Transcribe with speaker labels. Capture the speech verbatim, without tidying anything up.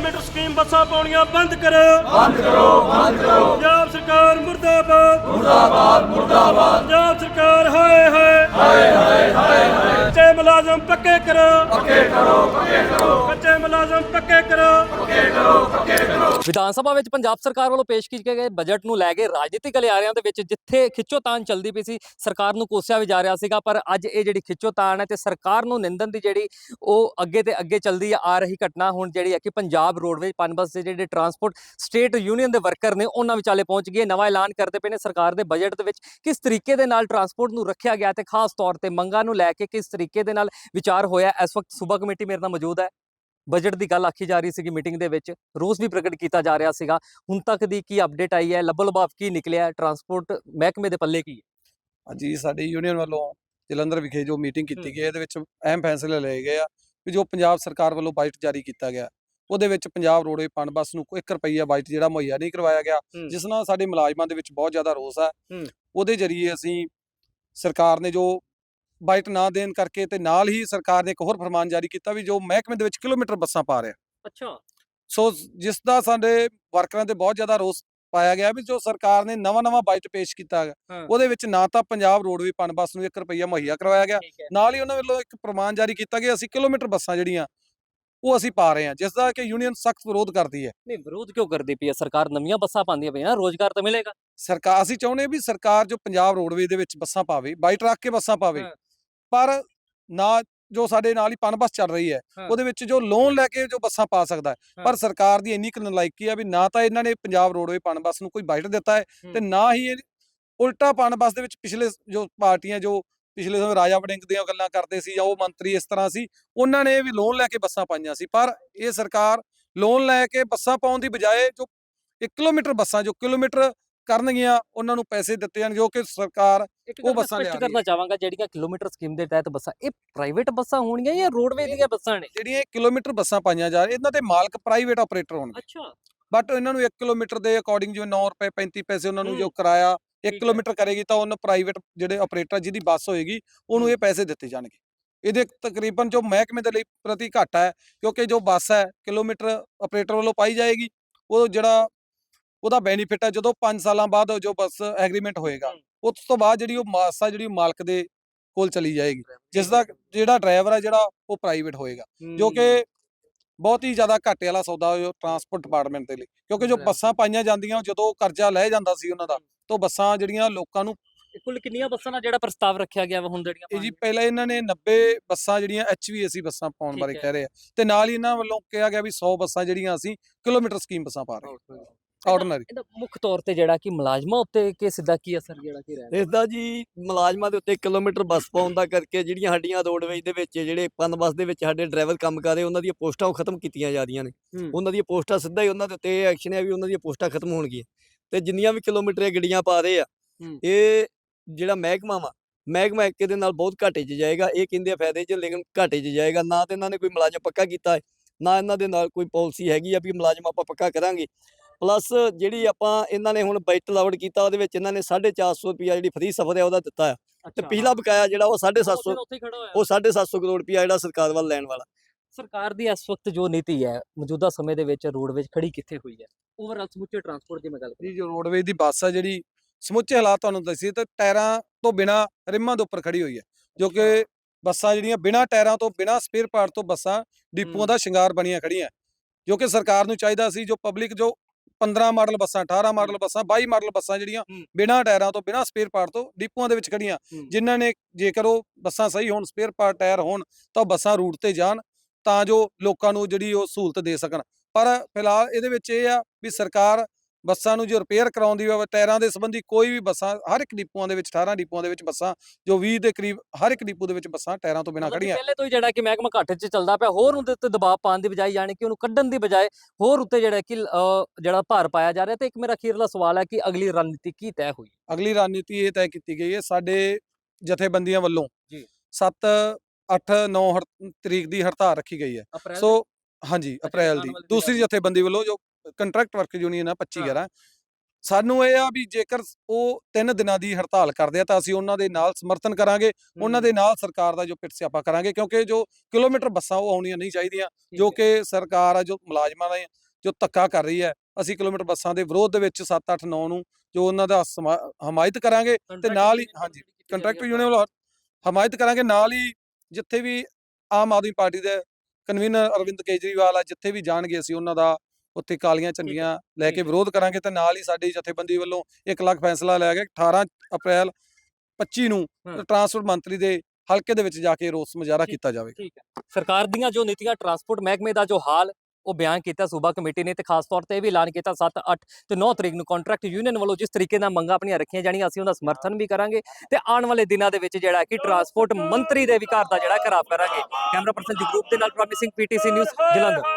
Speaker 1: Kilometre scheme बसा पाउणियां बंद करो
Speaker 2: बंद करो बंद करो
Speaker 1: पंजाब सरकार मुर्दाबाद
Speaker 2: मुर्दाबाद मुर्दाबाद
Speaker 1: पंजाब सरकार हाय हाय
Speaker 2: हाय हाय हाय हाय
Speaker 1: कच्चे मुलाजम पक्के करो
Speaker 2: पक्के करो पक्के करो
Speaker 1: कच्चे मुलाजम पक्के करो
Speaker 2: पक्के करो पक्के करो।
Speaker 3: ਵਿਧਾਨ ਸਭਾ ਵਿੱਚ ਪੰਜਾਬ ਸਰਕਾਰ ਵੱਲੋਂ ਪੇਸ਼ ਕੀਤੇ ਗਏ ਬਜਟ ਨੂੰ ਲੈ ਕੇ ਰਾਜਨੀਤਿਕ ਗਲਿਆਰਿਆਂ ਦੇ ਵਿੱਚ ਜਿੱਥੇ ਖਿੱਚੋਤਾਣ ਚੱਲਦੀ ਪਈ ਸੀ, ਸਰਕਾਰ ਨੂੰ ਕੋਸਿਆ ਵੀ ਜਾ ਰਿਹਾ ਸੀਗਾ, ਪਰ ਅੱਜ ਇਹ ਜਿਹੜੀ ਖਿੱਚੋਤਾਣ ਹੈ ਤੇ ਸਰਕਾਰ ਨੂੰ ਨਿੰਦਣ ਦੀ ਜਿਹੜੀ ਉਹ ਅੱਗੇ ਤੇ ਅੱਗੇ ਚੱਲਦੀ ਆ ਰਹੀ ਘਟਨਾ ਹੁਣ ਜਿਹੜੀ ਹੈ ਕਿ ਪੰਜਾਬ ਰੋਡਵੇਜ਼ ਪਨਬਸ ਦੇ ਜਿਹੜੇ ਟਰਾਂਸਪੋਰਟ ਸਟੇਟ ਯੂਨੀਅਨ ਦੇ ਵਰਕਰ ਨੇ ਉਹਨਾਂ ਵਿਚਾਲੇ ਪਹੁੰਚ ਗਏ। ਨਵਾਂ ਐਲਾਨ ਕਰਦੇ ਪਏ ਨੇ ਸਰਕਾਰ ਦੇ ਬਜਟ ਦੇ ਵਿੱਚ ਕਿਸ ਤਰੀਕੇ ਦੇ ਨਾਲ ਟਰਾਂਸਪੋਰਟ ਨੂੰ ਰੱਖਿਆ ਗਿਆ ਤੇ ਖਾਸ ਤੌਰ ਤੇ ਮੰਗਾਂ ਨੂੰ ਲੈ ਕੇ ਕਿਸ ਤਰੀਕੇ ਦੇ ਨਾਲ ਵਿਚਾਰ ਹੋਇਆ। ਇਸ ਵਕਤ ਸੂਬਾ ਕਮੇਟੀ ਮੇਰੇ ਨਾਲ ਮੌਜੂਦ ਹੈ। ਬਜਟ ਦੀ ਗੱਲ ਆਖੀ ਜਾ ਰਹੀ ਸੀਗੀ ਮੀਟਿੰਗ ਦੇ ਵਿੱਚ, ਰੋਸ ਵੀ ਪ੍ਰਗਟ ਕੀਤਾ ਜਾ ਰਿਹਾ ਸੀਗਾ। ਹੁਣ ਤੱਕ ਦੀ ਕੀ ਅਪਡੇਟ ਆਈ ਹੈ, ਲੱਭੋ ਲਭਾਵ ਕੀ ਨਿਕਲਿਆ, ਟਰਾਂਸਪੋਰਟ ਮਹਿਕਮੇ ਦੇ ਪੱਲੇ ਕੀ ਹੈ?
Speaker 4: ਹਾਂਜੀ, ਸਾਡੀ ਯੂਨੀਅਨ ਵੱਲੋਂ ਜਲੰਧਰ ਵਿਖੇ ਜੋ ਮੀਟਿੰਗ ਕੀਤੀ ਗਈ ਇਹਦੇ ਵਿੱਚ ਅਹਿਮ ਫੈਸਲੇ ਲਏ ਗਏ ਆ ਕਿ ਜੋ ਪੰਜਾਬ ਸਰਕਾਰ ਵੱਲੋਂ ਬਜਟ ਜਾਰੀ ਕੀਤਾ ਗਿਆ ਉਹਦੇ ਵਿੱਚ ਪੰਜਾਬ ਰੋਡਵੇ ਪਨਬਸ ਨੂੰ ਇੱਕ ਰੁਪਈਆ ਬਜਟ ਜਿਹੜਾ ਮੁਹੱਈਆ ਨਹੀਂ ਕਰਵਾਇਆ ਗਿਆ, ਜਿਸ ਨਾਲ ਸਾਡੇ ਮੁਲਾਜ਼ਮਾਂ ਦੇ ਵਿੱਚ ਬਹੁਤ ਜ਼ਿਆਦਾ ਰੋਸ ਹੈ। ਉਹਦੇ ਜ਼ਰੀਏ ਅਸੀਂ ਸਰਕਾਰ ਨੇ ਜੋ ਬਜਟ ਨਾ ਦੇਣ ਕਰਕੇ ਤੇ ਨਾਲ ਹੀ ਸਰਕਾਰ ਨੇ ਇੱਕ ਹੋਰ ਫਰਮਾਨ ਜਾਰੀ ਕੀਤਾ ਵੀ ਜੋ ਮਹਿਕਮੇ ਦੇ ਵਿੱਚ ਕਿਲੋਮੀਟਰ ਬੱਸਾਂ ਪਾ ਰਿਹਾ।
Speaker 3: ਅੱਛਾ,
Speaker 4: ਸੋ ਜਿਸ ਦਾ ਸਾਡੇ ਵਰਕਰਾਂ ਤੇ ਬਹੁਤ ਜ਼ਿਆਦਾ ਰੋਸ ਪਾਇਆ ਗਿਆ ਵੀ ਜੋ ਸਰਕਾਰ ਨੇ ਨਵਾਂ ਨਵਾਂ ਬਜਟ ਪੇਸ਼ ਕੀਤਾ ਗਿਆ ਉਹਦੇ ਵਿੱਚ ਨਾ ਤਾਂ ਪੰਜਾਬ ਰੋਡਵੇ ਪਨਬਸ ਨੂੰ ਇੱਕ ਰੁਪਈਆ ਮੁਹੱਈਆ ਕਰਵਾਇਆ ਗਿਆ, ਨਾਲ ਹੀ ਉਹਨਾਂ ਵੱਲੋਂ ਇੱਕ ਫਰਮਾਨ ਜਾਰੀ ਕੀਤਾ ਗਿਆ ਅਸੀਂ ਕਿਲੋਮੀਟਰ ਬੱਸਾਂ ਜਿਹੜੀਆਂ ਉਹ ਅਸੀਂ ਪਾ ਰਹੇ ਹਾਂ, ਜਿਸ ਦਾ ਕਿ ਯੂਨੀਅਨ ਸਖਤ ਵਿਰੋਧ ਕਰਦੀ ਹੈ।
Speaker 3: ਨਹੀਂ, ਵਿਰੋਧ ਕਿਉਂ ਕਰਦੀ ਪਈ ਹੈ ਸਰਕਾਰ? ਨਵੀਆਂ ਬੱਸਾਂ ਪਾਉਂਦੀਆਂ ਪਈਆਂ, ਰੋਜ਼ਗਾਰ ਤਾਂ ਮਿਲੇਗਾ।
Speaker 4: ਸਰਕਾਰ ਅਸੀਂ ਚਾਹੁੰਦੇ ਵੀ ਸਰਕਾਰ ਜੋ ਪੰਜਾਬ ਰੋਡਵੇ ਦੇ ਵਿੱਚ ਬੱਸਾਂ ਪਾਵੇ, ਬਜਟ ਰੱਖ ਕੇ ਬੱਸਾਂ ਪਾਵੇ, ਪਰ ਨਾ ਜੋ ਸਾਡੇ ਨਾਲ ਹੀ ਪਨਬਸ ਚੱਲ ਰਹੀ ਹੈ ਉਹਦੇ ਵਿੱਚ ਜੋ ਲੋਨ ਲੈ ਕੇ ਜੋ ਬੱਸਾਂ ਪਾ ਸਕਦਾ ਹੈ। ਪਰ ਸਰਕਾਰ ਦੀ ਇੰਨੀ ਕੁ ਨਲਾਇਕੀ ਆ ਵੀ ਨਾ ਤਾਂ ਇਹਨਾਂ ਨੇ ਪੰਜਾਬ ਰੋਡਵੇ ਪਨਬਸ ਨੂੰ ਕੋਈ ਬਜਟ ਦਿੱਤਾ ਹੈ ਤੇ ਨਾ ਹੀ ਇਹ ਉਲਟਾ ਪਨਬਸ ਦੇ ਵਿੱਚ ਪਿਛਲੇ ਜੋ ਪਾਰਟੀਆਂ ਜੋ ਪਿਛਲੇ ਸਮੇਂ ਰਾਜਾ ਵੜਿੰਗ ਦੀਆਂ ਗੱਲਾਂ ਕਰਦੇ ਸੀ ਜਾਂ ਉਹ ਮੰਤਰੀ ਇਸ ਤਰ੍ਹਾਂ ਸੀ, ਉਹਨਾਂ ਨੇ ਵੀ ਲੋਨ ਲੈ ਕੇ ਬੱਸਾਂ ਪਾਈਆਂ ਸੀ। ਪਰ ਇਹ ਸਰਕਾਰ ਲੋਨ ਲੈ ਕੇ ਬੱਸਾਂ ਪਾਉਣ ਦੀ ਬਜਾਏ ਜੋ ਇੱਕ ਕਿਲੋਮੀਟਰ ਬੱਸਾਂ ਜੋ ਕਿਲੋਮੀਟਰ ਕਰਨਗੀਆਂ ਉਹਨਾਂ ਨੂੰ ਪੈਸੇ ਦਿੱਤੇ ਜਾਣ, ਜੋ ਕਿ ਸਰਕਾਰ ਉਹ ਬੱਸਾਂ ਲਿਆ ਰਹੀ ਹੈ।
Speaker 3: ਕਰਨਾ ਚਾਹਾਂਗਾ ਜਿਹੜੀਆਂ ਕਿਲੋਮੀਟਰ ਸਕੀਮ ਦੇ ਤਹਿਤ ਬੱਸਾਂ, ਇਹ ਪ੍ਰਾਈਵੇਟ ਬੱਸਾਂ ਹੋਣਗੀਆਂ ਜਾਂ ਰੋਡਵੇਜ਼ ਦੀਆਂ ਬੱਸਾਂ ਨੇ?
Speaker 4: ਜਿਹੜੀਆਂ ਕਿਲੋਮੀਟਰ ਬੱਸਾਂ ਪਾਈਆਂ ਜਾ ਰਹੀਆਂ ਇਹਨਾਂ ਦੇ ਮਾਲਕ ਪ੍ਰਾਈਵੇਟ ਆਪਰੇਟਰ ਹੋਣਗੇ।
Speaker 3: ਅੱਛਾ,
Speaker 4: ਬਟ ਇਹਨਾਂ ਨੂੰ ਇੱਕ ਕਿਲੋਮੀਟਰ ਦੇ ਅਕੋਰਡਿੰਗ ਜਿਵੇਂ ਨੌ ਰੁਪਏ ਪੈਂਤੀ ਪੈਸੇ ਉਹਨਾਂ ਨੂੰ ਜੋ ਕਿਰਾਇਆ ਇੱਕ ਕਿਲੋਮੀਟਰ ਕਰੇਗੀ ਤਾਂ ਉਹਨਾਂ ਪ੍ਰਾਈਵੇਟ ਜਿਹੜੇ ਆਪਰੇਟਰ ਜਿਹਦੀ ਬੱਸ ਹੋਏਗੀ ਉਹਨੂੰ ਇਹ ਪੈਸੇ ਦਿੱਤੇ ਜਾਣਗੇ। ਇਹਦੇ ਤਕਰੀਬਨ ਜੋ ਮਹਿਕਮੇ ਦੇ ਲਈ ਪ੍ਰਤੀ ਘਾਟਾ ਹੈ, ਕਿਉਂਕਿ ਜੋ ਬੱਸ ਹੈ ਕਿਲੋਮੀਟਰ ਆਪਰੇਟਰ ਵੱਲੋਂ ਪਾਈ ਜਾਏਗੀ, ਉਹ ਜਿਹੜਾ ਉਹਦਾ ਬੈਨੀਫਿਟ ਹੈ ਜਦੋਂ ਪੰਜ ਸਾਲਾਂ ਬਾਅਦ ਜੋ ਬੱਸ ਐਗਰੀਮੈਂਟ ਹੋਏਗਾ ਉਸ ਤੋਂ ਬਾਅਦ ਜਿਹੜੀ ਉਹ ਬੱਸ ਆ ਜਿਹੜੀ ਮਾਲਕ ਦੇ ਕੋਲ ਚਲੀ ਜਾਏਗੀ, ਜਿਸ ਦਾ ਜਿਹੜਾ ਡਰਾਈਵਰ ਹੈ ਜਿਹੜਾ ਉਹ ਪ੍ਰਾਈਵੇਟ ਹੋਏਗਾ, ਜੋ ਕਿ ਬਹੁਤ ਹੀ ਜ਼ਿਆਦਾ ਘਾਟੇ ਵਾਲਾ ਸੌਦਾ ਜੋ ਟਰਾਂਸਪੋਰਟ ਡਿਪਾਰਟਮੈਂਟ ਦੇ ਲਈ। ਕਿਉਂਕਿ ਜੋ ਬੱਸਾਂ ਪਾਈਆਂ ਜਾਂਦੀਆਂ ਜਦੋਂ ਕਰਜ਼ਾ ਲੈ ਜਾਂਦਾ ਸੀ ਉਹਨਾਂ ਦਾ, ਤਾਂ ਬੱਸਾਂ ਜਿਹੜੀਆਂ ਲੋਕਾਂ ਨੂੰ
Speaker 3: ਕੁੱਲ ਕਿੰਨੀਆਂ ਬੱਸਾਂ ਦਾ ਜਿਹੜਾ ਪ੍ਰਸਤਾਵ ਰੱਖਿਆ ਗਿਆ ਵਾ ਹੁਣ ਜਿਹੜੀਆਂ?
Speaker 4: ਇਹ ਜੀ ਪਹਿਲਾਂ ਇਹਨਾਂ ਨੇ ਨੱਬੇ ਬੱਸਾਂ ਜਿਹੜੀਆਂ ਐਚ ਵੀ ਏ ਸੀ ਬੱਸਾਂ ਪਾਉਣ ਬਾਰੇ ਕਹਿ ਰਹੇ ਆ, ਤੇ ਨਾਲ ਹੀ ਇਹਨਾਂ ਵੱਲੋਂ ਕਿਹਾ ਗਿਆ ਵੀ ਸੌ ਬੱਸਾਂ ਜਿਹੜੀਆਂ ਅਸੀਂ ਕਿਲੋਮੀਟਰ ਸਕੀਮ ਬੱਸਾਂ ਪਾ ਰਹੇ ਹਾਂ ਆਰਡੀਨਰੀ।
Speaker 3: ਇਹਦਾ ਮੁੱਖ ਤੌਰ ਤੇ ਜਿਹੜਾ ਕਿ ਮੁਲਾਜ਼ਮਾਂ ਉੱਤੇ ਕਿ ਸਿੱਧਾ ਕੀ ਅਸਰ ਜਿਹੜਾ ਕੀ ਰਹਿ
Speaker 5: ਇਸ ਦਾ ਜੀ ਮੁਲਾਜ਼ਮਾਂ ਦੇ ਉੱਤੇ ਕਿਲੋਮੀਟਰ ਬੱਸ ਪਾਉਣ ਦਾ ਕਰਕੇ ਜਿਹੜੀਆਂ ਸਾਡੀਆਂ ਰੋਡਵੇਜ਼ ਦੇ ਵਿੱਚ ਜਿਹੜੇ ਪਨਬਸ ਦੇ ਵਿੱਚ ਸਾਡੇ ਡਰਾਈਵਰ ਕੰਮ ਕਰ ਰਹੇ ਉਹਨਾਂ ਦੀਆਂ ਪੋਸਟਾਂ ਉਹ ਖਤਮ ਕੀਤੀਆਂ ਜਾ ਰਹੀਆਂ ਨੇ। ਉਹਨਾਂ ਦੀਆਂ ਪੋਸਟਾਂ ਸਿੱਧਾ ਹੀ ਉਹਨਾਂ ਦੇ ਉੱਤੇ ਇਹ ਐਕਸ਼ਨ ਹੈ ਵੀ ਉਹਨਾਂ ਦੀਆਂ ਪੋਸਟਾਂ ਖਤਮ ਹੋਣਗੀਆਂ ਤੇ ਜਿੰਨੀਆਂ ਵੀ ਕਿਲੋਮੀਟਰ ਇਹ ਗੱਡੀਆਂ ਪਾ ਰਹੇ ਆ ਇਹ ਜਿਹੜਾ ਮਹਿਕਮਾ ਵਾ ਮਹਿਕਮਾ ਇੱਕ ਦੇ ਨਾਲ ਬਹੁਤ ਘਾਟੇ 'ਚ ਜਾਏਗਾ। ਇਹ ਕਹਿੰਦੇ ਆ ਫਾਇਦੇ 'ਚ, ਲੇਕਿਨ ਘਾਟੇ 'ਚ ਜਾਏਗਾ। ਨਾ ਤਾਂ ਇਹਨਾਂ ਨੇ ਕੋਈ ਮੁਲਾਜ਼ਮ ਪੱਕਾ ਕੀਤਾ ਹੈ, ਨਾ ਇਹਨਾਂ ਦੇ ਨਾਲ ਕੋਈ ਪਾਲਿਸੀ ਹੈਗੀ ਆ ਵੀ ਮੁਲਾਜ਼ਮ ਆਪਾਂ ਪੱਕਾ ਕਰਾਂਗੇ। ਪਲੱਸ ਜਿਹੜੀ ਆਪਾਂ ਇਹਨਾਂ ਨੇ ਹੁਣ ਬਜਟ ਲਾਉਡ ਕੀਤਾ ਉਹਦੇ ਵਿੱਚ ਇਹਨਾਂ ਨੇ ਸਾਢੇ ਚਾਰ ਸੌ ਰੁਪਇਆ ਜਿਹੜੀ ਫ੍ਰੀ ਸਫ਼ਰ ਹੈ ਉਹਦਾ ਦਿੱਤਾ ਆ, ਤੇ ਪਿਛਲਾ ਬਕਾਇਆ ਜਿਹੜਾ ਉਹ ਸਾਢੇ ਸੱਤ ਸੌ ਉਹ ਸਾਢੇ ਸੱਤ ਸੌ ਕਰੋੜ ਰੁਪਇਆ ਜਿਹੜਾ ਸਰਕਾਰ ਵੱਲ ਲੈਣ ਵਾਲਾ।
Speaker 3: ਸਰਕਾਰ ਦੀ ਇਸ ਵਕਤ ਜੋ ਨੀਤੀ ਹੈ ਮੌਜੂਦਾ ਸਮੇਂ ਦੇ ਵਿੱਚ ਰੋਡਵੇਜ਼ ਖੜੀ ਕਿੱਥੇ ਹੋਈ ਹੈ? ਓਵਰਆਲ ਸਮੁੱਚੇ ਟਰਾਂਸਪੋਰਟ ਦੀ ਮੈਂ ਗੱਲ ਕਰਾਂ
Speaker 4: ਜੀ, ਜੋ ਰੋਡਵੇਜ਼ ਦੀ ਬੱਸ ਆ ਜਿਹੜੀ ਸਮੁੱਚੇ ਹਾਲਾਤ ਤੁਹਾਨੂੰ ਦੱਸੀ ਤਾਂ ਟਾਇਰਾਂ ਤੋਂ ਬਿਨਾ ਰਿਮਾਂ ਦੇ ਉੱਪਰ ਖੜੀ ਹੋਈ ਹੈ, ਜੋ ਕਿ ਬੱਸਾਂ ਜਿਹੜੀਆਂ ਬਿਨਾ ਟਾਇਰਾਂ ਤੋਂ ਬਿਨਾ ਸਪੇਅਰ ਪਾਰਟ ਤੋਂ ਬੱਸਾਂ ਡਿਪੂਆਂ ਦਾ ਸ਼ਿੰਗਾਰ ਬਣੀਆਂ ਖੜੀਆਂ, ਜੋ ਕਿ ਸਰਕਾਰ ਨੂੰ ਚਾਹੀਦਾ ਸੀ ਜੋ ਪਬਲਿਕ ਜੋ ਪੰਦਰਾਂ ਮਾਡਲ ਬੱਸਾਂ, ਅਠਾਰਾਂ ਮਾਡਲ ਬੱਸਾਂ, ਬਾਈ ਮਾਡਲ ਬੱਸਾਂ ਜਿਹੜੀਆਂ ਬਿਨਾ ਟਾਇਰਾਂ ਤੋਂ ਬਿਨਾ ਸਪੇਅਰ ਪਾਰਟ ਤੋਂ ਡਿਪੂਆਂ ਦੇ ਵਿੱਚ ਖੜੀਆਂ, ਜਿਨ੍ਹਾਂ ਨੇ ਜੇਕਰ ਉਹ ਬੱਸਾਂ ਸਹੀ ਹੋਣ, ਸਪੇਅਰ ਪਾਰਟ ਟਾਇਰ ਹੋਣ ਤਾਂ ਬੱਸਾਂ ਰੂਟ ਤੇ ਜਾਣ ਤਾਂ ਜੋ ਲੋਕਾਂ ਨੂੰ ਜਿਹੜੀ ਉਹ ਸਹੂਲਤ ਦੇ ਸਕਣ। ਪਰ ਫਿਲਹਾਲ ਇਹਦੇ ਵਿੱਚ ਇਹ ਆ ਵੀ ਸਰਕਾਰ ਬੱਸਾਂ ਨੂੰ ਜੋ ਰਿਪੇਅਰ ਕਰਾਉਂਦੀ ਹੋਵੇ ਟਾਇਰਾਂ ਦੇ ਸੰਬੰਧੀ ਕੋਈ ਵੀ ਬੱਸਾਂ ਹਰ ਇੱਕ ਡਿਪੂਆਂ ਦੇ ਵਿੱਚ ਅਠਾਰਾਂ ਡਿਪੂਆਂ ਦੇ ਵਿੱਚ ਬੱਸਾਂ ਜੋ ਵੀਹ ਦੇ ਕਰੀਬ ਹਰ ਇੱਕ ਡਿਪੂ ਦੇ ਵਿੱਚ ਬੱਸਾਂ ਟਾਇਰਾਂ ਤੋਂ ਬਿਨਾਂ ਖੜੀਆਂ।
Speaker 3: ਪਹਿਲੇ ਤੋਂ ਹੀ ਜਿਹੜਾ ਕਿ ਮਹਿਕਮਾ ਘਾਟੇ 'ਚ ਚੱਲਦਾ ਪਿਆ, ਹੋਰ ਉਹਦੇ ਉੱਤੇ ਦਬਾਅ ਪਾਉਣ ਦੀ ਬਜਾਏ ਯਾਨੀ ਕਿ ਉਹਨੂੰ ਕੱਢਣ ਦੀ ਬਜਾਏ ਹੋਰ ਉੱਤੇ ਜਿਹੜਾ ਕਿ ਜਿਹੜਾ ਭਾਰ ਪਾਇਆ ਜਾ ਰਿਹਾ। ਤੇ ਇੱਕ ਮੇਰਾ ਅਖੀਰਲਾ ਸਵਾਲ ਹੈ ਕਿ ਅਗਲੀ ਰਣਨੀਤੀ ਕੀ ਤੈਅ ਹੋਈ?
Speaker 4: ਅਗਲੀ ਰਣਨੀਤੀ ਇਹ ਤੈਅ ਕੀਤੀ ਗਈ ਹੈ ਸਾਡੇ ਜਥੇਬੰਦੀਆਂ ਵੱਲੋਂ
Speaker 3: ਜੀ
Speaker 4: ਸੱਤ ਅੱਠ ਨੌ ਤਰੀਕ ਦੀ ਹੜਤਾਲ ਰੱਖੀ ਗਈ ਹੈ। ਸੋ ਹਾਂਜੀ ਅਪ੍ਰੈਲ ਦੀ ਦੂਸਰੀ ਜਥੇਬੰਦੀ ਵੱਲੋਂ ਜੋ ਕੰਟਰੈਕਟ ਵਰਕ ਯੂਨੀਅਨ ਆ ਪੱਚੀ ਗਿਆਰਾਂ ਸਾਨੂੰ ਇਹ ਆ ਵੀ ਜੇਕਰ ਉਹ ਤਿੰਨ ਦਿਨਾਂ ਦੀ ਹੜਤਾਲ ਕਰਦੇ ਆ ਤਾਂ ਅਸੀਂ ਉਹਨਾਂ ਦੇ ਨਾਲ ਸਮਰਥਨ ਕਰਾਂਗੇ, ਉਹਨਾਂ ਦੇ ਨਾਲ ਸਰਕਾਰ ਦਾ ਜੋ ਪਿੱਟ ਸਿਆਪਾ ਕਰਾਂਗੇ, ਕਿਉਂਕਿ ਜੋ ਕਿਲੋਮੀਟਰ ਬੱਸਾਂ ਉਹ ਆਉਣੀਆਂ ਨਹੀਂ ਚਾਹੀਦੀਆਂ, ਜੋ ਕਿ ਸਰਕਾਰ ਆ ਜੋ ਮੁਲਾਜ਼ਮਾਂ ਨੇ ਜੋ ਧੱਕਾ ਕਰ ਰਹੀ ਹੈ। ਅਸੀਂ ਕਿਲੋਮੀਟਰ ਬੱਸਾਂ ਦੇ ਵਿਰੋਧ ਦੇ ਵਿੱਚ ਸੱਤ ਅੱਠ ਨੌ ਨੂੰ ਜੋ ਉਹਨਾਂ ਦਾ ਸਮਾ- ਹਮਾਇਤ ਕਰਾਂਗੇ ਤੇ ਨਾਲ ਹੀ ਹਾਂਜੀ ਕੰਟਰੈਕਟ ਯੂਨੀਅਨ ਵੱਲੋਂ ਹਮਾਇਤ ਕਰਾਂਗੇ। ਨਾਲ ਹੀ ਜਿੱਥੇ ਵੀ ਆਮ ਆਦਮੀ ਪਾਰਟੀ ਦੇ ਕਨਵੀਨਰ ਅਰਵਿੰਦ ਕੇਜਰੀਵਾਲ ਆ ਜਿੱਥੇ ਵੀ ਜਾਣਗੇ ਅਸੀਂ ਉਹਨਾਂ ਦਾ ਉੱਥੇ ਕਾਲੀਆਂ ਝੰਡੀਆਂ ਲੈ ਕੇ ਵਿਰੋਧ ਕਰਾਂਗੇ ਤੇ ਨਾਲ ਹੀ ਸਾਡੀ ਜਥੇਬੰਦੀ ਵੱਲੋਂ ਇੱਕ ਲੱਖ ਫੈਸਲਾ ਲਿਆ ਗਿਆ ਅਠਾਰਾਂ ਅਪ੍ਰੈਲ ਪੱਚੀ ਨੂੰ
Speaker 3: ਹਾਂ।
Speaker 4: ਟਰਾਂਸਪੋਰਟ ਮੰਤਰੀ ਦੇ ਹਲਕੇ ਦੇ ਵਿੱਚ ਜਾ ਕੇ ਰੋਸ ਮੁਜ਼ਾਹਰਾ ਕੀਤਾ ਜਾਵੇਗਾ।
Speaker 3: ਠੀਕ ਹੈ। ਸਰਕਾਰ ਦੀਆਂ ਜੋ ਨੀਤੀਆਂ ਟਰਾਂਸਪੋਰਟ ਮਹਿਕਮੇ ਦਾ ਜੋ ਹਾਲ ਉਹ ਬਿਆਨ ਕੀਤਾ ਸੂਬਾ ਕਮੇਟੀ ਨੇ ਤੇ ਖਾਸ ਤੌਰ ਤੇ ਇਹ ਵੀ ਐਲਾਨ ਕੀਤਾ ਸੱਤ ਅੱਠ ਤੇ ਨੌ ਤਰੀਕ ਨੂੰ ਕੰਟਰੈਕਟ ਯੂਨੀਅਨ ਵੱਲੋਂ ਜਿਸ ਤਰੀਕੇ ਨਾਲ ਮੰਗਾਂ ਆਪਣੀਆਂ ਰੱਖੀਆਂ ਜਾਣੀਆਂ ਅਸੀਂ ਉਹਦਾ ਸਮਰਥਨ ਵੀ ਕਰਾਂਗੇ ਤੇ ਆਉਣ ਵਾਲੇ ਦਿਨਾਂ ਦੇ ਵਿੱਚ ਜਿਹੜਾ ਕਿ ਟਰਾਂਸਪੋਰਟ ਮੰਤਰੀ ਦੇ ਵੀ ਘਰ ਦਾ ਜਿਹੜਾ ਘਰਾਵ ਕਰਾਂਗੇ। ਕੈਮਰਾ ਪਰਸਨ ਜਗਰੂਪ ਦੇ ਨਾਲ ਪ੍ਰੋਮਿਸਿੰਗ ਪੀਟੀਸੀ ਨਿਊਜ਼ ਜਲੰਧਰ।